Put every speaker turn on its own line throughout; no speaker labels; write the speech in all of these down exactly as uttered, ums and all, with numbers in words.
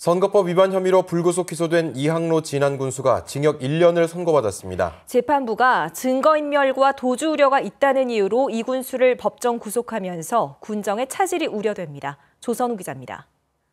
선거법 위반 혐의로 불구속 기소된 이항로 진안 군수가 징역 일 년을 선고받았습니다.
재판부가 증거인멸과 도주 우려가 있다는 이유로 이 군수를 법정 구속하면서 군정의 차질이 우려됩니다. 조선우 기자입니다.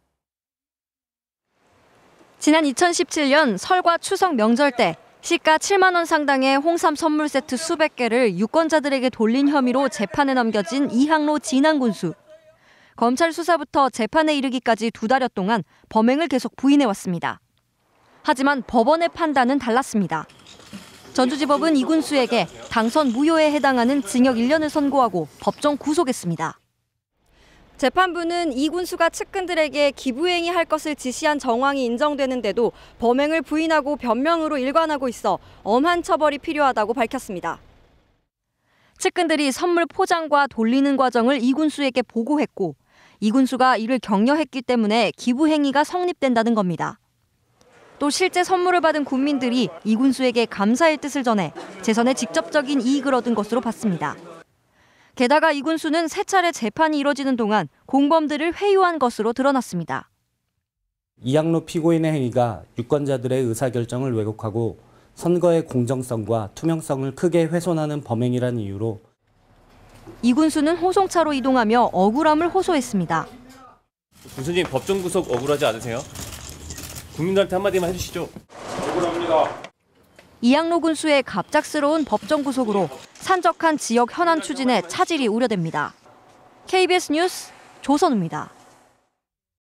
지난 이천십칠 년 설과 추석 명절 때 시가 칠만 원 상당의 홍삼 선물 세트 수백 개를 유권자들에게 돌린 혐의로 재판에 넘겨진 이항로 진안 군수. 검찰 수사부터 재판에 이르기까지 두 달여 동안 범행을 계속 부인해왔습니다. 하지만 법원의 판단은 달랐습니다. 전주지법은 이 군수에게 당선 무효에 해당하는 징역 일 년을 선고하고 법정 구속했습니다. 재판부는 이 군수가 측근들에게 기부행위할 것을 지시한 정황이 인정되는데도 범행을 부인하고 변명으로 일관하고 있어 엄한 처벌이 필요하다고 밝혔습니다. 측근들이 선물 포장과 돌리는 과정을 이 군수에게 보고했고 이 군수가 이를 격려했기 때문에 기부 행위가 성립된다는 겁니다. 또 실제 선물을 받은 국민들이 이 군수에게 감사의 뜻을 전해 재선에 직접적인 이익을 얻은 것으로 봤습니다. 게다가 이 군수는 세 차례 재판이 이뤄지는 동안 공범들을 회유한 것으로 드러났습니다.
이항로 피고인의 행위가 유권자들의 의사결정을 왜곡하고 선거의 공정성과 투명성을 크게 훼손하는 범행이라는 이유로
이 군수는 호송차로 이동하며 억울함을 호소했습니다.
군수님, 법정 구속 억울하지 않으세요? 국민들한테 한마디만 해주시죠. 억울합니다.
이항로 군수의 갑작스러운 법정 구속으로 산적한 지역 현안 추진에 차질이 우려됩니다. 케이비에스 뉴스 조선우입니다.